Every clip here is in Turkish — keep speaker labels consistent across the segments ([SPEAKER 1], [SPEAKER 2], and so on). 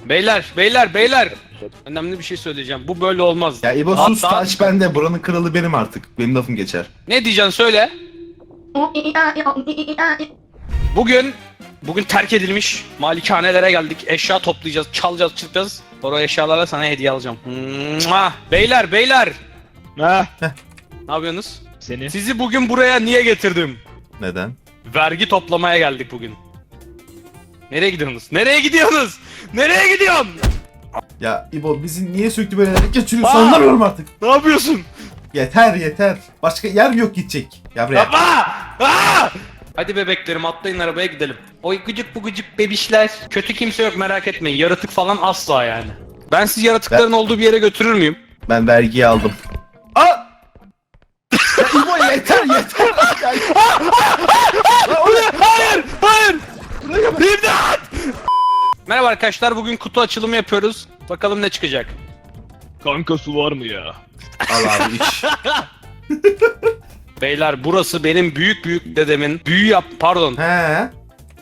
[SPEAKER 1] Beyler. Önemli bir şey söyleyeceğim. Bu böyle olmaz.
[SPEAKER 2] Ya İbo sus, taç bende. Buranın kralı benim artık. Benim lafım geçer.
[SPEAKER 1] Ne diyeceksin söyle. Bugün terk edilmiş malikanelere geldik. Eşya toplayacağız, çalacağız, çırpacağız. Sonra o eşyalarla sana hediye alacağım. Beyler.
[SPEAKER 3] Ha,
[SPEAKER 1] Ne yapıyorsunuz?
[SPEAKER 3] seni.
[SPEAKER 1] Sizi bugün buraya niye getirdim?
[SPEAKER 2] Neden?
[SPEAKER 1] Vergi toplamaya geldik bugün. Nereye gidiyorsunuz? Nereye gidiyorsun?
[SPEAKER 2] Ya İbo bizi niye sürekli böyle geçiriyorsun
[SPEAKER 1] Aa!
[SPEAKER 2] anlamıyorum artık.
[SPEAKER 1] Ne yapıyorsun?
[SPEAKER 2] Yeter. Başka yer yok gidecek. Ya buraya.
[SPEAKER 1] Yapma! Aa! Hadi bebeklerim atlayın arabaya gidelim. Oy gıcık bebişler. Kötü kimse yok merak etmeyin. Yaratık falan asla yani. Ben sizi yaratıkların olduğu bir yere götürür müyüm?
[SPEAKER 2] Ben vergiyi aldım. Aa! Ya İbo yeter.
[SPEAKER 1] Hayır! İmdat! Merhaba arkadaşlar, bugün kutu açılımı yapıyoruz. Bakalım ne çıkacak.
[SPEAKER 3] Kanka su var mı ya?
[SPEAKER 2] Al abi iç.
[SPEAKER 1] Beyler burası benim büyük dedemin pardon.
[SPEAKER 2] He.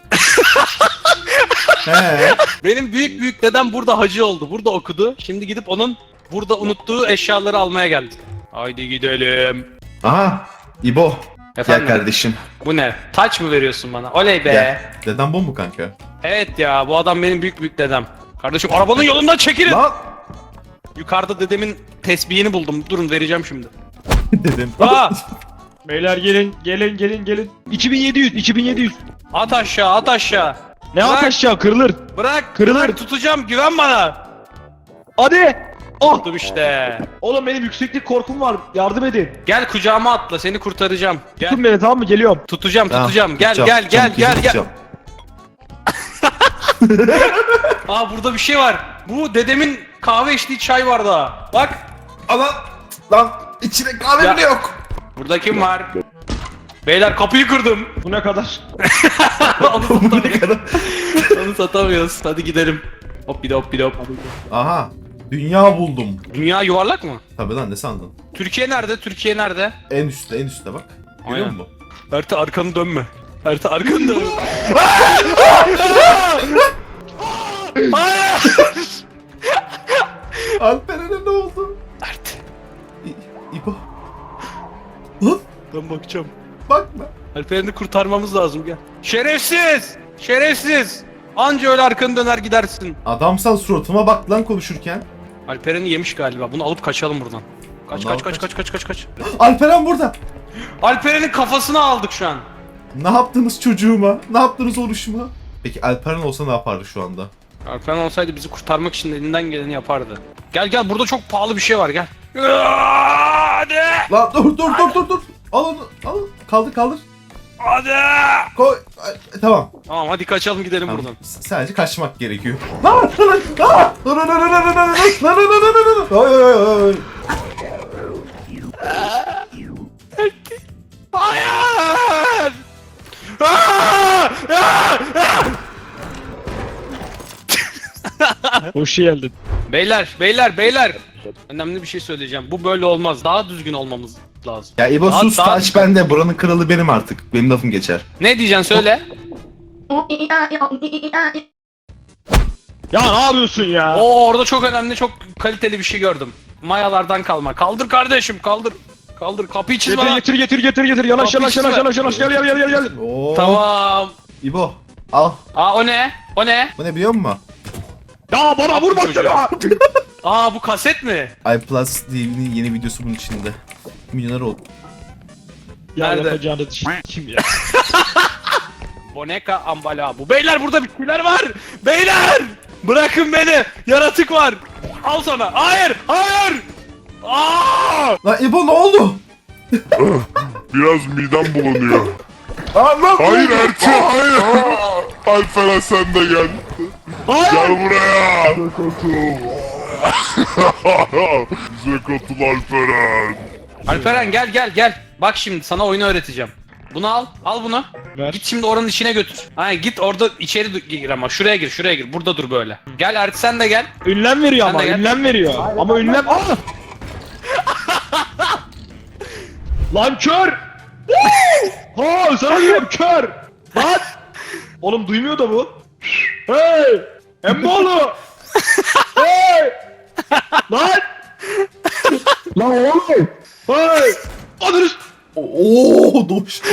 [SPEAKER 1] Benim büyük dedem burada hacı oldu. Burada okudu. Şimdi gidip onun burada unuttuğu eşyaları almaya geldik. Haydi gidelim.
[SPEAKER 2] Aha. İbo.
[SPEAKER 1] Efendim?
[SPEAKER 2] Gel kardeşim.
[SPEAKER 1] Bu ne? Taç mı veriyorsun bana? Oley be.
[SPEAKER 2] Gel. Deden bu mu kanka?
[SPEAKER 1] Evet ya, bu adam benim büyük dedem. Kardeşim arabanın yolundan çekilin.
[SPEAKER 2] Lan.
[SPEAKER 1] Yukarıda dedemin tesbihini buldum. Durun vereceğim şimdi.
[SPEAKER 2] Dedim.
[SPEAKER 1] Aa!
[SPEAKER 3] Beyler gelin. 2700.
[SPEAKER 1] At aşağı.
[SPEAKER 3] Ne
[SPEAKER 1] Bırak.
[SPEAKER 3] at aşağı kırılır.
[SPEAKER 1] Bırak tutacağım, güven bana.
[SPEAKER 3] Hadi. Oh.
[SPEAKER 1] Tuttum işte.
[SPEAKER 3] Oğlum benim yükseklik korkum var. Yardım edin.
[SPEAKER 1] Gel kucağıma atla, seni kurtaracağım. Gel.
[SPEAKER 3] Tutun beni, tamam mı? Geliyorum.
[SPEAKER 1] Tutacağım.
[SPEAKER 2] Tamam,
[SPEAKER 1] Gel.
[SPEAKER 2] tutacağım.
[SPEAKER 1] Aa burada bir şey var. Bu dedemin kahve içtiği çay var daha. Bak.
[SPEAKER 2] Lan içine kahve
[SPEAKER 1] Ya.
[SPEAKER 2] bile yok.
[SPEAKER 1] Burada kim var? Beyler kapıyı kırdım.
[SPEAKER 3] Bu ne kadar?
[SPEAKER 1] Onu Onu satamıyoruz. Hadi gidelim. Hop bir de.
[SPEAKER 2] Aha. Dünya buldum.
[SPEAKER 1] Dünya yuvarlak mı?
[SPEAKER 2] Tabii lan ne sandın?
[SPEAKER 1] Türkiye nerede?
[SPEAKER 2] En üstte bak. Görüyor
[SPEAKER 1] Aynen.
[SPEAKER 2] musun?
[SPEAKER 1] Erta arkanı dönme. Hayır!
[SPEAKER 2] Alperen'e ne oldu?
[SPEAKER 1] Ert.
[SPEAKER 2] İbo. Lan
[SPEAKER 1] Ben bakacağım.
[SPEAKER 2] bakma.
[SPEAKER 1] Alperen'i kurtarmamız lazım, gel. Şerefsiz! Anca öyle arkanı döner gidersin.
[SPEAKER 2] Adamsal suratıma bak lan konuşurken.
[SPEAKER 1] Alperen'i yemiş galiba. Bunu alıp kaçalım buradan. Kaç.
[SPEAKER 2] Alperen burada.
[SPEAKER 1] Alperen'in kafasını aldık şu an.
[SPEAKER 2] Ne yaptınız çocuğuma? Ne yaptınız oluşuma? Peki Alperen olsa ne yapardı şu anda?
[SPEAKER 1] Alperen olsaydı bizi kurtarmak için elinden geleni yapardı. Gel burada çok pahalı bir şey var, gel. Hadi!
[SPEAKER 2] Lan dur. Al onu. Kaldır.
[SPEAKER 1] Hadi!
[SPEAKER 2] Koy. Tamam.
[SPEAKER 1] Tamam hadi kaçalım gidelim
[SPEAKER 2] Tamam.
[SPEAKER 1] buradan.
[SPEAKER 2] Sadece kaçmak gerekiyor. Ay.
[SPEAKER 1] Hayır! Aa!
[SPEAKER 3] Hoş geldin.
[SPEAKER 1] Beyler. Önemli bir şey söyleyeceğim. Bu böyle olmaz. Daha düzgün olmamız lazım.
[SPEAKER 2] Ya İbo
[SPEAKER 1] Daha-
[SPEAKER 2] sus,
[SPEAKER 1] daha-
[SPEAKER 2] taç bende. Buranın kralı benim artık. Benim lafım geçer.
[SPEAKER 1] Ne diyeceksin söyle.
[SPEAKER 3] Ya ne yapıyorsun ya?
[SPEAKER 1] Oo orada çok önemli, çok kaliteli bir şey gördüm. Mayalardan kalma. Kaldır kardeşim, kaldır. Kapıyı çiz bana.
[SPEAKER 3] Getir. Yanaş. Gel.
[SPEAKER 2] Oo.
[SPEAKER 1] Tamam.
[SPEAKER 2] İbo al.
[SPEAKER 1] Aa o ne?
[SPEAKER 2] Bu ne biliyor musun?
[SPEAKER 3] Ya bana vurma şunu.
[SPEAKER 1] Aa bu kaset mi?
[SPEAKER 2] iPlus TV'nin yeni videosu bunun içinde. Milyoner oldu.
[SPEAKER 3] Ya
[SPEAKER 1] Nerede?
[SPEAKER 3] yapacağını kim ya?
[SPEAKER 1] Boneka ambala bu. Beyler burada bir şeyler var. Beyler! Bırakın beni. Yaratık var. Al sana. Hayır! Aa!
[SPEAKER 2] Lan İbo ne oldu?
[SPEAKER 4] Biraz midem bulanıyor.
[SPEAKER 2] Lan
[SPEAKER 4] Hayır Erçe, hayır. Alperen sen de gel. Gel buraya. Bize katıl Alperen.
[SPEAKER 1] Alperen gel. Bak şimdi sana oyunu öğreteceğim. Bunu al. Al bunu.
[SPEAKER 3] Ver.
[SPEAKER 1] Git şimdi oranın içine götür. Hayır git orada içeri gir ama. Şuraya gir. Burada dur böyle. Gel Erti sen de gel.
[SPEAKER 3] Ünlem veriyor
[SPEAKER 1] Sen
[SPEAKER 3] ama,
[SPEAKER 1] de gel.
[SPEAKER 3] ünlem veriyor. Ama ünlem... Aa! Lan kör! Ha sana diyorum kör! Lan! Oğlum duymuyor da bu. Hey! Emmoğlu! Lan oğlum. Hey. Adınız.
[SPEAKER 2] Oo doğuştu.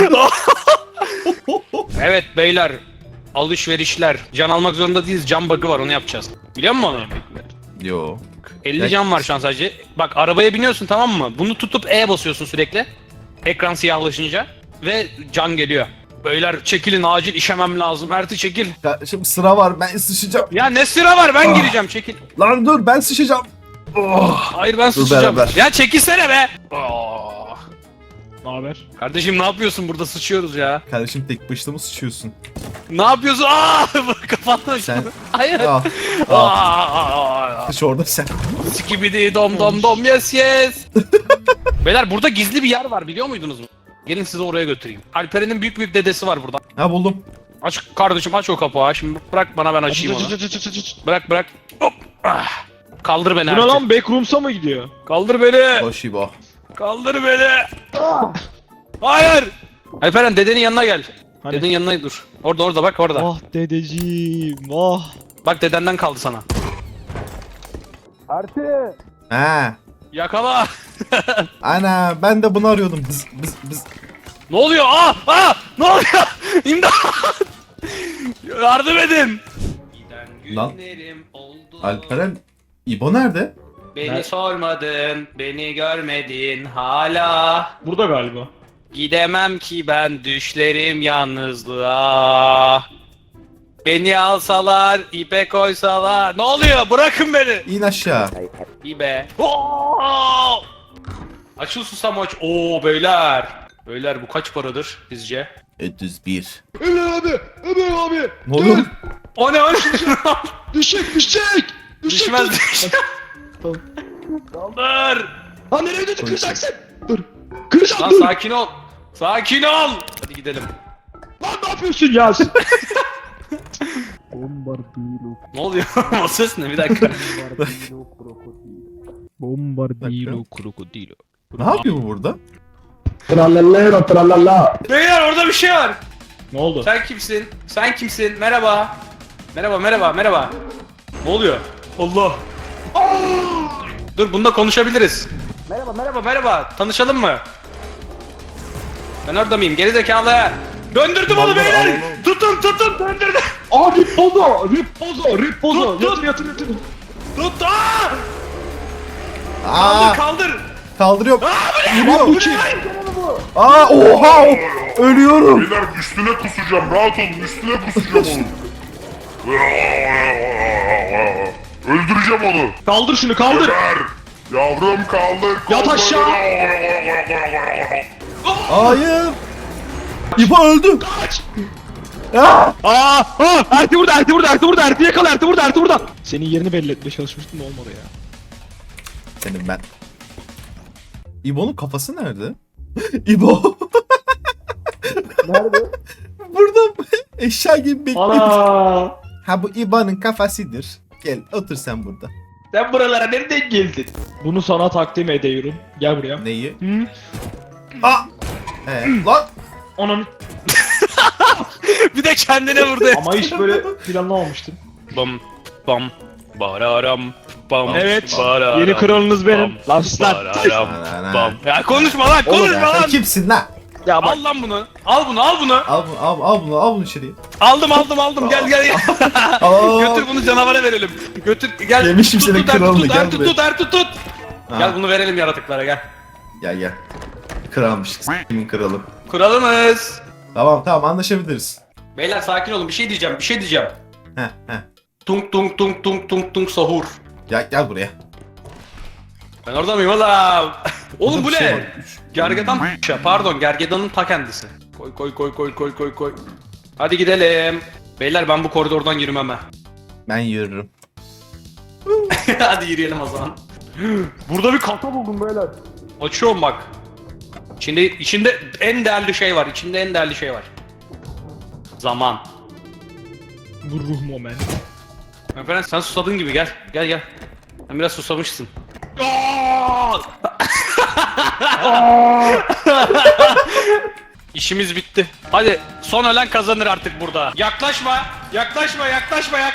[SPEAKER 1] Evet beyler. Alışverişler. Can almak zorunda değiliz. Can bug'ı var onu yapacağız. Biliyor musun onu?
[SPEAKER 2] Yok.
[SPEAKER 1] 50 can var şu an sadece. Bak arabaya biniyorsun tamam mı? Bunu tutup E basıyorsun sürekli. Ekran siyahlaşınca. Ve can geliyor. Beyler çekilin acil işemem lazım. Erti çekil.
[SPEAKER 2] Şimdi sıra var, ben sıçacağım.
[SPEAKER 1] Ya ne sıra var ben gireceğim çekil.
[SPEAKER 2] Lan dur, ben sıçacağım. Oh.
[SPEAKER 1] Hayır ben
[SPEAKER 2] Dur
[SPEAKER 1] sıçacağım.
[SPEAKER 2] beraber.
[SPEAKER 1] Ya çekilsene be. Oh.
[SPEAKER 3] Ne haber?
[SPEAKER 1] Kardeşim ne yapıyorsun burada sıçıyoruz ya.
[SPEAKER 2] Kardeşim tek başına mı sıçıyorsun?
[SPEAKER 1] Ne yapıyorsun? Aa kapattın
[SPEAKER 2] Sen-
[SPEAKER 1] şunu. Hayır.
[SPEAKER 2] Al.
[SPEAKER 1] Aa.
[SPEAKER 2] Sıç orada sen.
[SPEAKER 1] Skibidi dom dom dom yes yes. Beyler burada gizli bir yer var biliyor muydunuz mu? Gelin sizi oraya götüreyim. Alperen'in büyük büyük dedesi var burada.
[SPEAKER 2] Ha buldum.
[SPEAKER 1] Aç kardeşim aç o kapağı. Şimdi bırak bana ben açayım onu. Bırak bırak. Hop. Ah. Kaldır beni
[SPEAKER 3] Bu ne
[SPEAKER 1] Erti.
[SPEAKER 3] lan, backrooms'a mı gidiyor?
[SPEAKER 1] Kaldır beni.
[SPEAKER 2] Hoş İbo.
[SPEAKER 1] Kaldır beni. Hayır. Alperen dedenin yanına gel.
[SPEAKER 3] Hani?
[SPEAKER 1] Dedenin yanına dur. Orada bak orada.
[SPEAKER 3] Ah dedeciğim, ah.
[SPEAKER 1] Bak dedenden kaldı sana.
[SPEAKER 2] Ha.
[SPEAKER 1] Yakala.
[SPEAKER 2] Ana, ben de bunu arıyordum. Bız.
[SPEAKER 1] Ne oluyor? Ne oluyor? İmdat. Yardım edin.
[SPEAKER 2] Lan.
[SPEAKER 1] Günlerim oldu.
[SPEAKER 2] Alperen, İbo nerede?
[SPEAKER 1] Beni sormadın, beni görmedin hala.
[SPEAKER 3] Burada galiba.
[SPEAKER 1] Gidemem ki ben düşlerim yalnızlığa. Beni alsalar, ipe koysalar. Ne oluyor? Bırakın beni.
[SPEAKER 2] İn aşağı.
[SPEAKER 1] İbe. Oo! Açıl susamoç. Oo beyler. Beyler bu kaç paradır sizce?
[SPEAKER 2] 301.
[SPEAKER 3] Ömer abi, Ömer abi.
[SPEAKER 2] Ne oluyor?
[SPEAKER 1] O ne?
[SPEAKER 3] Düşecek.
[SPEAKER 1] Düşmez düşmez. Kaldır.
[SPEAKER 3] Ha nereye gidiyorsun, kıracaksın? Dur. Kıracağım,
[SPEAKER 1] Lan
[SPEAKER 3] dur.
[SPEAKER 1] sakin ol. Sakin ol. Hadi gidelim.
[SPEAKER 3] Lan ne yapıyorsun ya?
[SPEAKER 1] Ne oluyor? O ses ne? Bir dakika.
[SPEAKER 3] Bombardilo krokodilo.
[SPEAKER 2] Ne yapıyor bu burada?
[SPEAKER 1] Beyler orada bir şey var.
[SPEAKER 3] Ne oldu?
[SPEAKER 1] Sen kimsin? Sen kimsin? Merhaba. Merhaba. Ne oluyor? Allah. Dur bununla konuşabiliriz. Merhaba. Tanışalım mı? Ben orada mıyım? Gerizekalı. Döndürdüm onu
[SPEAKER 2] Allah
[SPEAKER 1] beyler.
[SPEAKER 2] Allah.
[SPEAKER 1] Tutun döndürdüm.
[SPEAKER 3] Aa Rippozo.
[SPEAKER 1] Tut.
[SPEAKER 3] Yatır.
[SPEAKER 1] Tut.
[SPEAKER 2] Aa,
[SPEAKER 1] Kaldır.
[SPEAKER 2] kaldırıyorum.
[SPEAKER 1] Bu ne?
[SPEAKER 2] Aa, oha! Ölüyorum.
[SPEAKER 4] Beyler üstüne kusacağım, rahat olun, üstüne kusacağım onu. Öldüreceğim onu.
[SPEAKER 3] Kaldır şunu, kaldır.
[SPEAKER 4] Ömer! Yavrum kaldır.
[SPEAKER 3] Yat aşağı.
[SPEAKER 2] Hayır. İbo öldü.
[SPEAKER 3] Kaç.
[SPEAKER 2] Aa!
[SPEAKER 3] Erti burada. Erti yakala, Erti burada. Senin yerini belli etmeye çalışmıştım da olmadı ya.
[SPEAKER 2] Senin ben. İbo'nun kafası nerede? İbo.
[SPEAKER 3] Nerede?
[SPEAKER 2] Burada eşya gibi bekliyor.
[SPEAKER 3] Ana.
[SPEAKER 2] Ha bu İbo'nun kafasıdır. Gel otur sen burada.
[SPEAKER 3] Sen buralara nereden geldin? Bunu sana takdim ediyorum. Gel buraya.
[SPEAKER 2] Neyi?
[SPEAKER 3] Hı?
[SPEAKER 2] Aa! Lan!
[SPEAKER 3] Ananı.
[SPEAKER 1] Bir de kendine vurdu.
[SPEAKER 3] Ama hiç böyle planlamamıştım.
[SPEAKER 1] Bam. Bararam. Bam.
[SPEAKER 3] Evet.
[SPEAKER 1] Bararam,
[SPEAKER 3] Yeni kralınız benim.
[SPEAKER 1] bam,
[SPEAKER 3] Lan sus lan.
[SPEAKER 1] bararam,
[SPEAKER 2] Ana.
[SPEAKER 1] bam. Ya konuşma lan
[SPEAKER 2] Oğlum
[SPEAKER 1] konuşma
[SPEAKER 2] ya, sen
[SPEAKER 1] lan.
[SPEAKER 2] kimsin lan?
[SPEAKER 3] Ya bak.
[SPEAKER 1] Al lan bunu. Al bunu.
[SPEAKER 2] Al bunu içeriye.
[SPEAKER 1] Aldım. Gel.
[SPEAKER 2] Aa,
[SPEAKER 1] Götür bunu canavara verelim. Götür gel.
[SPEAKER 2] Yemişim senin
[SPEAKER 1] Ertuğ,
[SPEAKER 2] kralını, gel
[SPEAKER 1] Ertuğ,
[SPEAKER 2] buraya.
[SPEAKER 1] Ertuğ, tut.
[SPEAKER 2] Ha.
[SPEAKER 1] Gel bunu verelim yaratıklara gel.
[SPEAKER 2] Gel. Kralmış. Kimin kralı?
[SPEAKER 1] Kralımız.
[SPEAKER 2] Tamam anlaşabiliriz.
[SPEAKER 1] Beyler sakin olun bir şey diyeceğim.
[SPEAKER 2] Heh.
[SPEAKER 1] Tung sahur.
[SPEAKER 2] Gel buraya.
[SPEAKER 1] Ben orada mıyım oğlum? Oğlum bu
[SPEAKER 2] Burada bir şey
[SPEAKER 1] ne?
[SPEAKER 2] var.
[SPEAKER 1] Gergedan pardon gergedanın ta kendisi. Koy. Hadi gidelim. Beyler ben bu koridordan yürümem ha.
[SPEAKER 2] Ben yürürüm.
[SPEAKER 1] Hadi yürüyelim o zaman. Burada bir kasa buldum beyler. Açıyorum bak. İçinde en değerli şey var. Zaman.
[SPEAKER 3] Bu ruh moment.
[SPEAKER 1] Efendim sen susadın gibi gel. Sen biraz susamışsın. İşimiz bitti. Hadi son ölen kazanır artık burada. Yaklaşma.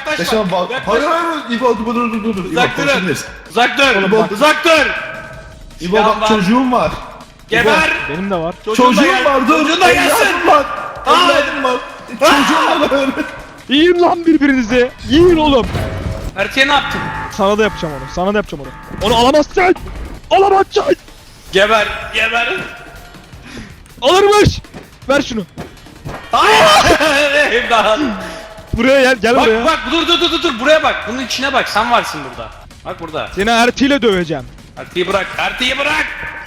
[SPEAKER 2] Hayır. İbo dur. İbo
[SPEAKER 1] Uzak durun.
[SPEAKER 2] konuşabiliriz.
[SPEAKER 1] Uzak dur.
[SPEAKER 2] İbo
[SPEAKER 1] Silahım
[SPEAKER 2] bak
[SPEAKER 1] var.
[SPEAKER 2] çocuğum var.
[SPEAKER 1] Geber.
[SPEAKER 3] Benim de var.
[SPEAKER 2] Çocuğum var dur.
[SPEAKER 1] Çocuğun da gelsin.
[SPEAKER 2] Evladım var. Evladım var. Çocuğum var.
[SPEAKER 3] Yiyin lan birbirinizi. Yiyin oğlum.
[SPEAKER 1] Ertuğ'a ne yaptın?
[SPEAKER 3] Sana da yapacağım onu. Sana da yapacağım onu. Onu alamazsın. Alamazsın.
[SPEAKER 1] Geber. Geber.
[SPEAKER 3] Alırmış. Ver şunu.
[SPEAKER 1] Hayır. İmdat.
[SPEAKER 3] Buraya gel. Gel
[SPEAKER 1] Bak
[SPEAKER 3] buraya.
[SPEAKER 1] bak dur buraya bak. Bunun içine bak. Sen varsın burada. Bak burada.
[SPEAKER 3] Seni ertiyle döveceğim.
[SPEAKER 1] Ertuğ'u bırak. Ertuğ'u bırak.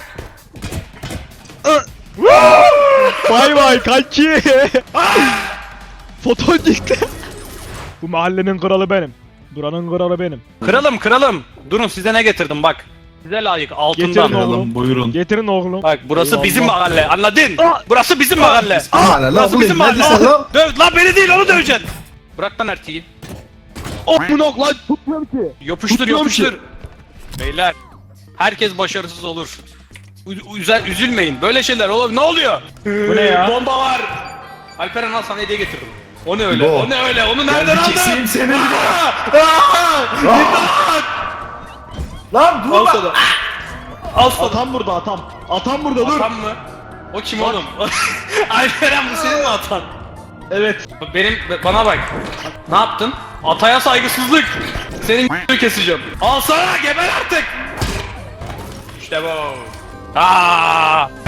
[SPEAKER 3] Vay vay kanki. Foton çıktı. Bu mahallenin kralı benim. Buranın kralı benim.
[SPEAKER 1] Kralım. Durun size ne getirdim bak. Size layık altından.
[SPEAKER 3] Getirin oğlum.
[SPEAKER 2] Kralım buyurun.
[SPEAKER 3] Getirin oğlum.
[SPEAKER 1] Bak burası
[SPEAKER 3] Eyvallah.
[SPEAKER 1] bizim mahalle. Anladın?
[SPEAKER 3] Aa!
[SPEAKER 1] Burası bizim mahalle.
[SPEAKER 2] Hala
[SPEAKER 1] Burası
[SPEAKER 2] lan
[SPEAKER 1] bizim
[SPEAKER 2] bu ne
[SPEAKER 1] mahalle.
[SPEAKER 2] diyorsun lan?
[SPEAKER 1] Döv lan beni değil onu döveceksin. Bırak lan Ertuğ'u.
[SPEAKER 3] Oh bu nok lan tutmuyorum ki.
[SPEAKER 1] Yapıştır
[SPEAKER 3] Tutmuyorum
[SPEAKER 1] yapıştır. Beyler. Herkes başarısız olur. Üzülmeyin. Böyle şeyler olur. Ne oluyor?
[SPEAKER 3] Bu ne ya?
[SPEAKER 1] Bomba var. Alperen al sana hediye getirdim. O ne öyle?
[SPEAKER 2] Bu.
[SPEAKER 1] O ne öyle? Onu nereden aldın?
[SPEAKER 2] Keseyim seni.
[SPEAKER 1] İmdat!
[SPEAKER 2] Lan dur
[SPEAKER 1] Al
[SPEAKER 2] lan.
[SPEAKER 1] sana. Al sana.
[SPEAKER 3] Atam burada atam. Atam burada dur.
[SPEAKER 1] Atan mı? O kim oğlum? Alperen bu senin mi atan?
[SPEAKER 3] Evet.
[SPEAKER 1] Bana bak. Ne yaptın? Ataya saygısızlık. Senin keseceğim. Al sana geber artık. İşte bu. Aa!